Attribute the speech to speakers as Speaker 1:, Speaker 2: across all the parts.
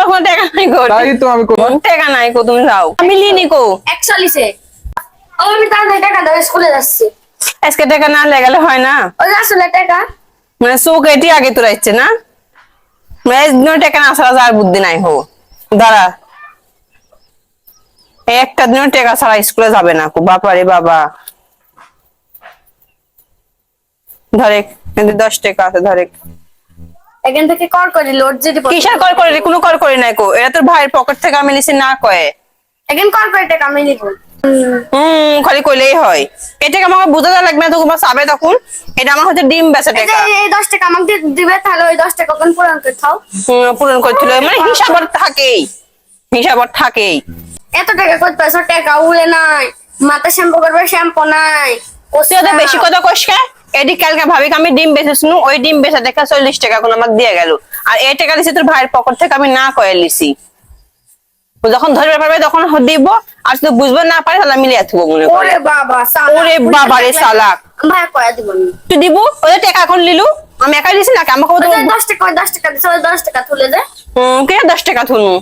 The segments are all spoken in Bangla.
Speaker 1: তোমার কোনো টাকা নাই গো।
Speaker 2: তাই তো আমি কই
Speaker 1: টাকা নাই গো, তুমি যাও। আমি লিনি গো।
Speaker 3: 41 এ আমি তার টাকা দাও স্কুলে যাচ্ছি।
Speaker 1: আজকে টাকা না লাগালে হয় না?
Speaker 3: ওই আসলে টাকা
Speaker 1: মানে চোখ এটি আগে তোরা ইচ্ছে না, মানে টাকা না ছাড়া যার বুদ্ধি নাই হো। দাঁড়া, একটা দিনও টাকা ছাড়া স্কুলে যাবে না। বাপারে বাবা, ধরে 10 টাকা আছে, ধরে।
Speaker 3: এখান থেকে কর করে লোড যদি
Speaker 1: কিসের কল করে? কোনো কল করে নাই কো, এটা তোর ভাইয়ের পকেট থেকে আমি নিছি না কয়ে।
Speaker 3: এখন কর করে টাকা আমি নিব।
Speaker 1: খালি কইলেই হয়। এটাকে আমাকে বুঝাতে লাগবে না, তখন চাবে তখন। এটা আমার হচ্ছে ডিম বেচা টাকা।
Speaker 3: এই 10 টাকা আমাকে দিবে, তাহলে ওই 10 টাকা কোন পূরণ করে খাও।
Speaker 1: পূরণ করছিল, মানে হিসাবর থাকেই, হিসাবর থাকেই।
Speaker 3: এত টাকা কত পয়সা টাকা উড়ে নাই, মাথা শ্যাম্পু করবে শ্যাম্পু নাই।
Speaker 1: তুই তো বেশি কথা কইস কে? এটি কালকে ভাবিকে আমি ডিম বেচেছিনু, ওই ডিম বেচা টাকা 40 টাকা কোন আমাকে দিয়ে গেল। আর এই টাকা দিছি তোর ভাইয়ের পকেট থেকে, আমি না কয়ে লিছি। ও যখন ধরবে পারবে তখন দিব, আর যদি বুঝবে না পারে তাহলে আমি লিয়ে থুবো মনে করে।
Speaker 3: ওরে বাবা সালা,
Speaker 1: ওরে বাবা রে সালাক।
Speaker 3: ভাই কয়া দিব না।
Speaker 1: তুই দিব? ওই টাকা এখন লিলু, আমি একাই দিছি নাকি? আমাকে
Speaker 3: ওই 10 টাকা, ওই 10 টাকা দিছে, ওই 10 টাকা তুলে দে।
Speaker 1: কে 10 টাকা থুনু?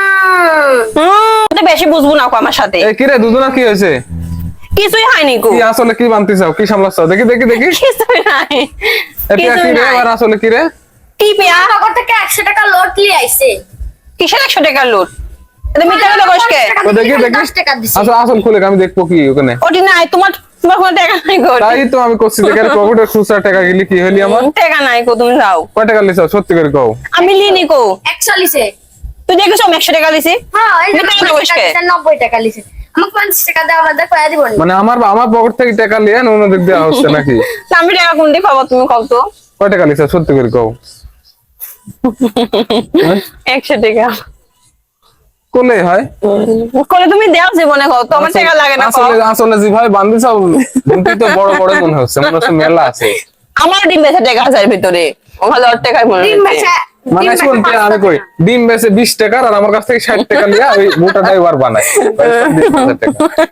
Speaker 1: তো বেশি বুঝবো না কো আমার সাথে।
Speaker 2: এই কি রে দুজনা কি হয়েছে?
Speaker 1: কিছুই হয়নি কো।
Speaker 2: কি আসলে কি বানতে চাও? কি সামলাচ্ছ? দেখি দেখি দেখি।
Speaker 1: কিছুই নাই।
Speaker 2: এটা কি রে? আর আসলে কি রে?
Speaker 1: কি পিয়া?
Speaker 3: নগর থেকে 100 টাকা লোড নিয়ে আইছে।
Speaker 1: কিসের 100 টাকার লোট? এটা মিথ্যা কথা কইস কে?
Speaker 2: তো দেখি দেখি।
Speaker 3: 10 টাকা দিছে।
Speaker 2: আসল আসল খুলে আমি দেখবো কি ওখানে।
Speaker 1: ওটি নাই, তোমার তোমার কোনো টাকা নাই গো।
Speaker 2: তাই তো আমি করছি, দেখে পকেটে খুচরা টাকা গেলি কি হলি আমার?
Speaker 1: টাকা নাই গো, তুমি যাও।
Speaker 2: কয় টাকা লিছ সত্যি করে কও?
Speaker 1: আমি লিনি গো।
Speaker 3: 41 এ
Speaker 1: তুই দেখেছো আমি 100 টাকা লিছি?
Speaker 3: হ্যাঁ, এই যে
Speaker 1: মিথ্যা কথা কইস কে?
Speaker 3: 90 টাকা লিছে। আমাকে 50 টাকা দাও, আমাদের কয়া দিব না।
Speaker 2: মানে আমার পকেট থেকে টাকা লিয়ে অন্য দিক দেওয়া হচ্ছে নাকি?
Speaker 1: তা আমি টাকা কোন দিকে পাবো তুমি কও তো?
Speaker 2: কয় টাকা লিছ সত্যি করে কও?
Speaker 1: 100 টাকা।
Speaker 2: কোলে হয়?
Speaker 1: করে তুমি দাও জীবনে কও তো, আমার টাকা লাগে না কও।
Speaker 2: আসলে আসলে জি ভাই বান্দি সব বুদ্ধি তো বড় বড় মনে হচ্ছে, মনে হচ্ছে মেলা আছে।
Speaker 1: আমার ডিম বেচা টাকা আছে ভিতরে, ও ভালো টাকায় মনে
Speaker 3: ডিম
Speaker 1: হচ্ছে।
Speaker 3: বেচা
Speaker 2: মানে শুন আমি কই ডিম বেচে 20 টাকা আর আমার কাছ থেকে 60 টাকা লিয়া ওই মোটাটাই বার বানায় 20,000 টাকা।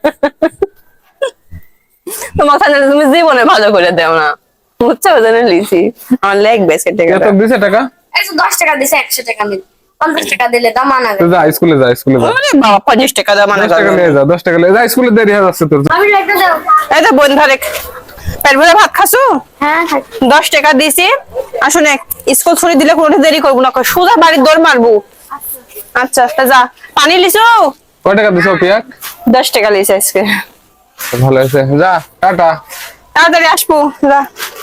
Speaker 1: তোমার সাথে তুমি জীবনে ভালো করে দাও না, বুঝছো? ওজন্য লিছি আমার লাগবে সে
Speaker 2: কত
Speaker 1: টাকাটা।
Speaker 2: দিছে টাকা?
Speaker 3: 10 টাকা দিছে, 100 টাকা নিল। 50 টাকা দিলে দাম আনা
Speaker 2: তো
Speaker 3: গেল।
Speaker 2: যা স্কুলে যা স্কুলে যা।
Speaker 1: আরে বাবা 50 টাকা দাও মানে
Speaker 2: 10 টাকা নিয়ে যা 10 টাকা নিয়ে যা স্কুলে দেরি হয়ে যাচ্ছে তোর।
Speaker 3: আমি একটা দাও।
Speaker 1: এই তো বোন ধরে পেট ভরে ভাত খাসু।
Speaker 3: হ্যাঁ হ্যাঁ
Speaker 1: 10 টাকা দিছি, আসলে স্কুল ছুটি দিলে কোনো দেরি করবো না, সোজা বাড়ির দৌড় মারবো। আচ্ছা তা যা। পানি লিছো?
Speaker 2: কয় টাকা দিছো পিয়াক?
Speaker 1: 10 টাকা লিছে আজকে।
Speaker 2: ভালো আছে, যা টাটা।
Speaker 1: তাড়াতাড়ি আসবো, যা।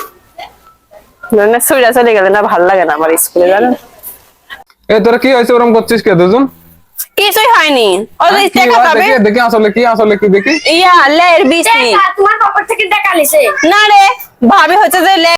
Speaker 1: না সুইরা চলে গেলে না, ভাল লাগে না আমার স্কুলে, জানো?
Speaker 2: এই তোরা কি হয়েছে ওরকম করছিস কে দুজন?
Speaker 1: কিছুই হয়নি, ওই
Speaker 2: কি
Speaker 1: টাকা
Speaker 2: হয়
Speaker 1: পাবে।
Speaker 2: দেখি দেখি আসলে কি দেখি।
Speaker 1: ইয়া লের বিসি
Speaker 3: টাকা তোমার পকেট থেকে টাকা লিছে।
Speaker 1: না রে, ভাবি হচ্ছে যে